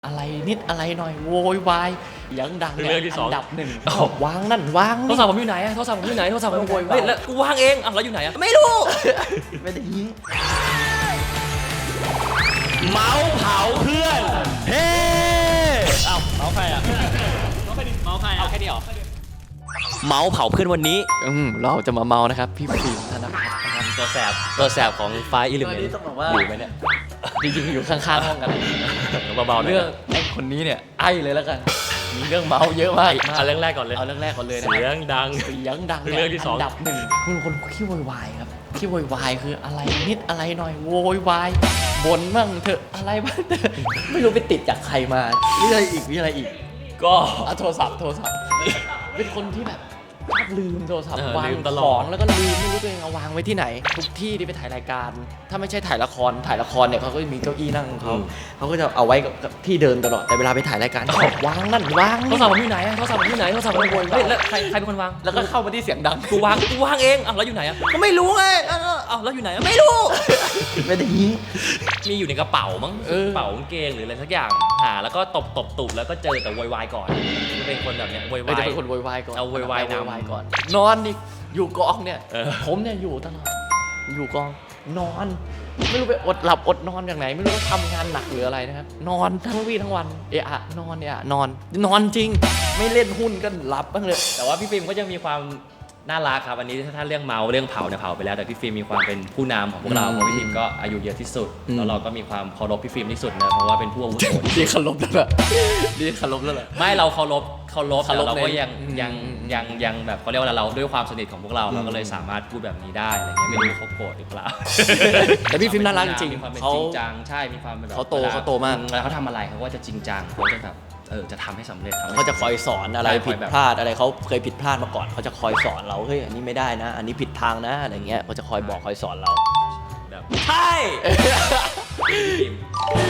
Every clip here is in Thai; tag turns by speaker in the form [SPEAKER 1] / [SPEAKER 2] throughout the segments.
[SPEAKER 1] อะไรนิดอะไรหน่อยโวยวายยังดัง
[SPEAKER 2] เรื่องที่สอง
[SPEAKER 1] อันดับหนึ่งวางนั่นวาง
[SPEAKER 2] โทรศัพท์ผมอยู่ไหนโทรศัพท์ผมอยู่ไหนโทรศัพท์ผมอยู่ไหนเฮ้ยแล้วกูวางเองแล้วอยู่ไหนไม่รู้
[SPEAKER 1] ไม่ได้ยิง
[SPEAKER 2] เมาส์เผาเพื่อนเฮ้เอ้าเมาส์ใครอ่ะเมาส์ใครเอาแค่นี้เหรอเมาส์เผาเพื่อนวันนี้
[SPEAKER 1] เราจะมาเมานะครับพี่ฟิล์มธนภัทรนะครับ
[SPEAKER 2] ตัวแสบของไฟอิลิเมน
[SPEAKER 1] ตอนนี้
[SPEAKER 2] ต์
[SPEAKER 1] ต้องบอกว่า
[SPEAKER 2] อยู่ไหมเนี่ย
[SPEAKER 1] จริงๆอยู่ข้างๆห้องกัน
[SPEAKER 2] เบาๆหน่อย
[SPEAKER 1] เรื่องไอ้คนนี้เนี่ยไอ้เลยแล้วกันมีเรื่องเมาเยอะมาก
[SPEAKER 2] เอาเรื่องแรกก่อนเลย
[SPEAKER 1] เอาเรื่องแรกก่อนเลยนะ
[SPEAKER 2] เสียงดัง
[SPEAKER 1] เสียงดัง
[SPEAKER 2] เรื่องที่สอง
[SPEAKER 1] นดับหนึ่งคุณคนขี้โวยวายครับขี้โวยวายคืออะไรนิดอะไรหน่อยโวยวายบ่นบ้างเถอะอะไรบ้างเถอะไม่รู้ไปติดจากใครมามีอะไรอีก
[SPEAKER 2] ก็
[SPEAKER 1] เอาโทรศัพท์เป็นคนที่แบบชอบลืมโทรศัพท์วาง
[SPEAKER 2] ลืมตล
[SPEAKER 1] ข
[SPEAKER 2] อ
[SPEAKER 1] อ
[SPEAKER 2] ด
[SPEAKER 1] งแล้วก็ลืมไม่รู้ตัวเองเอาวางไว้ที่ไหนทุกที่ที่ไปถ่ายรายการ ถ้าไม่ใช่ถ่ายละครเนี่ยเขาก็มีเก้าอี้นั่งของเขาก็จะเอาไว้กับที่เดิมตลอดแต่เวลาไปถ่ายรายการเขาวางนั่นวาง
[SPEAKER 2] โทรศัพท์ผมอยู่ไหนโทรศัพท์ผมอยู่ไหนโทรศัพท์ผมอยู่ไหนเฮ้ยแล้วใครเป็นคนวาง
[SPEAKER 1] แล้วก็เข้ามาที่เสียงดัง
[SPEAKER 2] กูวางเองแล้วอยู่ไหนก็ไม่รู้ไงแล้วอยู่ไหนไม่รู้
[SPEAKER 1] ไม่ได้ยิง
[SPEAKER 2] มีอยู่ในกระเป๋ามั้ง
[SPEAKER 1] เออ
[SPEAKER 2] กระเป๋ากางเกงหรืออะไรสักอย่างหาแล้วก็ตบตุบแล้วก็เจอแต่โวยวายก่อนเป็นคนแบบเนี้ยโวยวา
[SPEAKER 1] จะ
[SPEAKER 2] ย
[SPEAKER 1] เป็นคนโวยวายก่อน
[SPEAKER 2] เอาโวยวายนำ
[SPEAKER 1] โวยวายก่อนนอนอีกอยู่กองเนี่ย
[SPEAKER 2] เออ
[SPEAKER 1] ผมเนี่ยอยู่ตลอดอยู่กองนอนไม่รู้ไปอดหลับอดนอนอย่างไหนไม่รู้ว่าทำงานหนักหรืออะไรนะครับนอนทั้งวี่ทั้งวันนอนจริงไม่เล่นหุ้นก็หลับบ้างเลย
[SPEAKER 2] แต่ว่าพี่ฟิล์มก็ยังมีความน่ารักครับอันนี้ถ้าเรื่องเมาเรื่องเผาเนี่ยเผาไปแล้วแต่พี่ฟิล์มมีความเป็นผู้นำของพวกเราเพราะพี่ฟิล์มก็อายุเยอะที่สุดแล้วเราก็มีความเคารพพี่ฟิล์มที่สุดนะเพราะว่าเป็นผู้อาวุโส
[SPEAKER 1] ดีเคารพแล้วเหรอดีเคารพแล้วเหรอ
[SPEAKER 2] ไม่เราเคารพแต่เราก็
[SPEAKER 1] ใน
[SPEAKER 2] ยังแบบเขาเรียกว่าเราด้วยความสนิทของพวกเราเราก็เลยสามารถพูดแบบนี้ได้อะไรเงี้ยไม่รู้เขาโกรธหรือเปล่า
[SPEAKER 1] แต่พี่ฟิล์มน่ารักจริง
[SPEAKER 2] มีความเป็น
[SPEAKER 1] เขา
[SPEAKER 2] จริงจังใช่มีความเป็นแบบ
[SPEAKER 1] เขาโตมาก
[SPEAKER 2] แล้วเขาทำอะไรเขาก็จะจริงจังเขาจะแบบจะทำให้สำเร็จทำให้
[SPEAKER 1] เขาจะคอยสอนอะไร
[SPEAKER 2] ใช่
[SPEAKER 1] ผิด
[SPEAKER 2] แบบ
[SPEAKER 1] พลาดอะไรเขาเคยผิดพลาดมาก่อนเขาจะคอยสอนเราเฮ้ยอันนี้ไม่ได้นะ อันนี้ผิดทางนะอะไรเงี้ยเขาจะคอยบอกคอยสอนเรา
[SPEAKER 2] แบบใช่พี่ฟิล์ม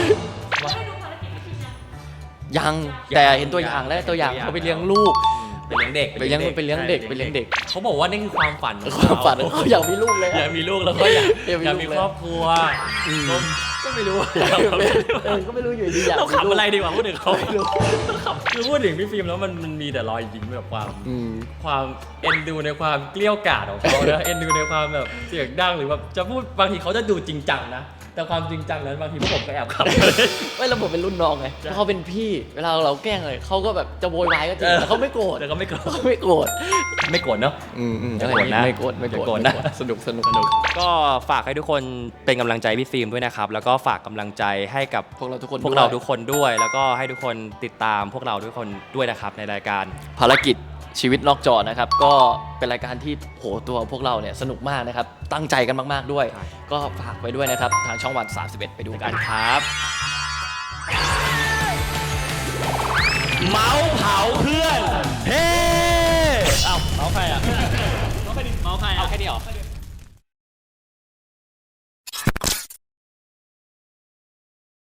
[SPEAKER 1] ยังแต่เห็นตัวอย่างแล้วตัวอย่างเขาไปเลี้ยงลูก
[SPEAKER 2] ไปเลี้ยงเด็ก
[SPEAKER 1] ไปเลี้ยงเด็ก
[SPEAKER 2] เขาบอกว่านี่คือความฝันของ
[SPEAKER 1] ความฝันเขาอยากมีลูกเลย
[SPEAKER 2] อยากมีลูกแล้วก็อยากมี
[SPEAKER 1] เลย
[SPEAKER 2] ครอบครัวก็ไม่รู้
[SPEAKER 1] ก็ไม่รู้อยู่ดีอยาก
[SPEAKER 2] เรา
[SPEAKER 1] มีลูก
[SPEAKER 2] ขำอะไรดีกว่าพูดถึงเขาคือพูดถึงพี่ฟิล์มแล้วมันมีแต่รอยยิ้มแบบความเอ็นดูในความเกลี้ยวกล่อมของเขานะเอ็นดูในความแบบเสียงดังหรือแบบจะพูดบางทีเขาจะดูจริงจังนะแต่ความจริงจังนั้นบางทีพวกผมก็แอบขำ
[SPEAKER 1] ไม่ระบบเป็นรุ่นน้องไงเพราะเขาเป็นพี่เวลาเราแกล้งเลยเขาก็แบบจะโวยวายก็จริงแต่เขาไม่โกรธ
[SPEAKER 2] แต่ก็ไม่โกรธ
[SPEAKER 1] ไม่โกรธ
[SPEAKER 2] ไม่โกรธเนาะ
[SPEAKER 1] ไม่โกรธนะไม่โกรธนะสนุก
[SPEAKER 2] ก็ฝากให้ทุกคนเป็นกำลังใจพี่ฟิล์มด้วยนะครับแล้วก็ฝากกำลังใจให้กับ
[SPEAKER 1] พวกเราทุกคน
[SPEAKER 2] พวกเราทุกคนด้วย แล้วก็ให้ทุกคนติดตามพวกเราทุกคนด้วยนะครับในรายการ
[SPEAKER 1] ภารกิจชีวิตนอกจอนะครับก็เป็นรายการที่โหตัวพวกเราเนี่ยสนุกมากนะครับตั้งใจกันมากๆด้วย ก็ฝากไว้ด้วยนะครับทางช่องวัน31ไปดูกันครับ